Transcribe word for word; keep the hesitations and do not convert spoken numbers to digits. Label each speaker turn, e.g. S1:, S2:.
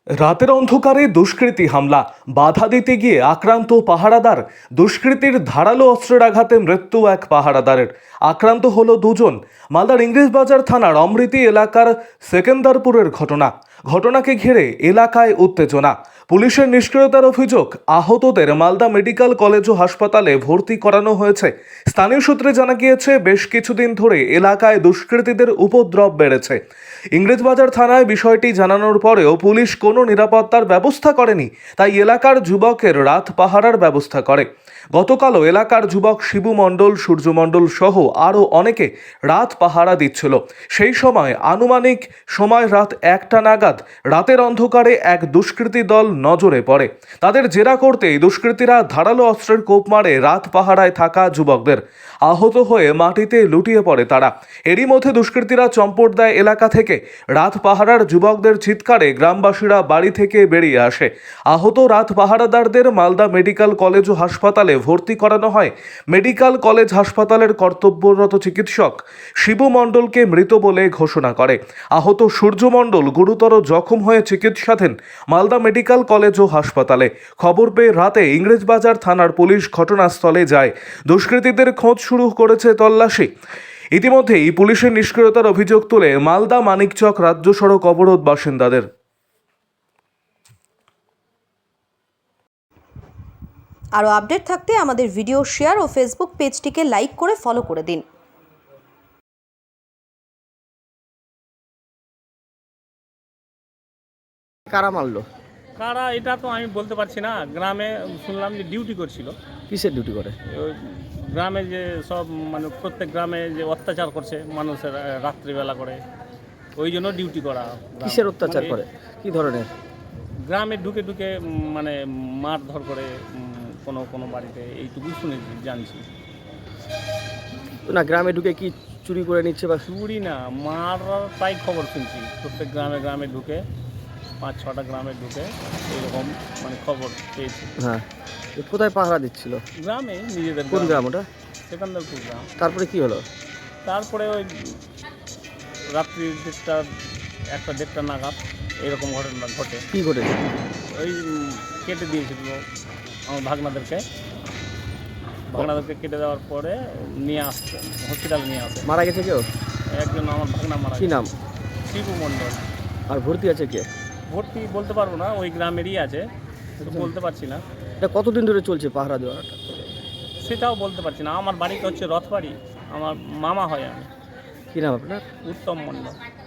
S1: রাতের অন্ধকারে দুষ্কৃতী হামলা, বাধা দিতে গিয়ে আক্রান্ত পাহারাদার। দুষ্কৃতীর ধারালো অস্ত্রের আঘাতে মৃত্যু এক পাহারাদারের, আক্রান্ত হলো দুজন। মালদার ইংরেজবাজার থানার অমৃতি এলাকার সেকেন্দারপুরের ঘটনা। ঘটনাকে ঘিরে এলাকায় উত্তেজনা। পুলিশের নিষ্ক্রিয়তার অভিযোগ, আহতদের মালদা মেডিকেল কলেজ ও হাসপাতালে ভর্তি করানো হয়েছে। স্থানীয় সূত্রে জানা গিয়েছে, বেশ কিছুদিন ধরে এলাকায় দুষ্কৃতীদের উপদ্রব বেড়েছে। ইংরেজবাজার থানায় বিষয়টি জানানোর পরেও পুলিশ কোনো নিরাপত্তার ব্যবস্থা করেনি, তাই এলাকার যুবকের রাত পাহারার ব্যবস্থা করে। গতকালও এলাকার যুবক শিবু মণ্ডল, সূর্য মণ্ডল সহ আরও অনেকে রাত পাহারা দিচ্ছিল। সেই সময় আনুমানিক সময় রাত একটা নাগাদ রাতের অন্ধকারে এক দুষ্কৃতী দল নজরে পড়ে। তাদের জেরা করতেই দুষ্কৃতীরা ধারালো অস্ত্রের কোপ মারে রাত পাহারায় থাকা যুবকদের। আহত হয়ে মাটিতে লুটিয়ে পড়ে তারা। এরই মধ্যে দুষ্কৃতীরা চম্পট দেয় এলাকা থেকে। রাত পাহারার যুবকদের চিৎকারে গ্রামবাসীরা বাড়ি থেকে বেরিয়ে আসে। আহত রাত পাহারাদারদের মালদা মেডিকেল কলেজ ও হাসপাতালে ভর্তি করানো হয়। মেডিকেল কলেজ হাসপাতালের কর্তব্যরত চিকিৎসক শিবু মণ্ডলকে মৃত বলে ঘোষণা করে। আহত সূর্য মণ্ডল গুরুতর জখম হয়ে চিকিৎসাধীন মালদা মেডিকেল কলেজ ও হাসপাতালে। খবর পেয়ে রাতে ইংরেজবাজার থানার পুলিশ ঘটনাস্থলে যায়। দুষ্কৃতীদের খোঁজ শুরু করেছে তল্লাশি। ইতিমধ্যেই পুলিশের নিষ্ক্রিয়তার অভিযোগ তুলে মালদা মানিকচক রাজ্য সড়ক অবরোধ বাসিন্দাদের।
S2: আরও আপডেট থাকতে আমাদের ভিডিও শেয়ার ও ফেসবুক পেজটিকে লাইক করে ফলো করে দিন।
S3: কারা মারলো?
S4: কারা এটা তো আমি বলতে পারছি না। গ্রামে শুনলাম যে ডিউটি করছিল।
S3: কিসের ডিউটি করে?
S4: ওই গ্রামে যে সব মানে প্রত্যেক গ্রামে যে অত্যাচার করছে মানুষের রাত্রিবেলা করে, ওই জন্য ডিউটি করা।
S3: কিসের অত্যাচার
S4: মানে
S3: করে? কি ধরনের?
S4: গ্রামে ঢুকে ঢুকে উম, মানে মারধর করে উম, কোনো কোনো বাড়িতে, এইটুকু শুনেছি, জানছি।
S3: না, গ্রামে ঢুকে কি চুরি করে নিচ্ছে বা?
S4: চুরি না, মার তাই খবর শুনছি। প্রত্যেক গ্রামে গ্রামে ঢুকে, পাঁচ ছটা গ্রামে ঢুকে এরকম মানে খবর পেয়েছি।
S3: হ্যাঁ, এ কোথায় পাহারা দিচ্ছিল?
S4: গ্রামে নিজেদের।
S3: কোন গ্রাম ওটা?
S4: সেকেন্দারপুর গ্রাম।
S3: তারপরে কি হলো?
S4: তারপরে ওই রাত্রি দেড়টা একটা দেড়টা নাগাদ এরকম ঘটনা ঘটে।
S3: কি ঘটেছে?
S4: ওই উম, কেটে দিয়েছিল আমার ভাগনাদেরকে। ভাগনাদেরকে কেটে দেওয়ার পরে নিয়ে আসছে, হসপিটালে নিয়ে আসে।
S3: মারা গেছে কেউ?
S4: একজন আমার ভাগনা মারা
S3: কি
S4: গেছে।
S3: নাম?
S4: শিবু মণ্ডল।
S3: আর ভর্তি আছে কে?
S4: ভর্তি বলতে পারবো না, ওই গ্রামেরই আছে, তো বলতে পারছি না।
S3: এটা কতদিন ধরে চলছে পাহারা দেওয়াটা?
S4: সেটাও বলতে পারছি না। আমার বাড়িতে হচ্ছে রথবাড়ি, আমার মামা হয় আমি।
S3: কি নাম আপনার?
S4: উত্তম মণ্ডল।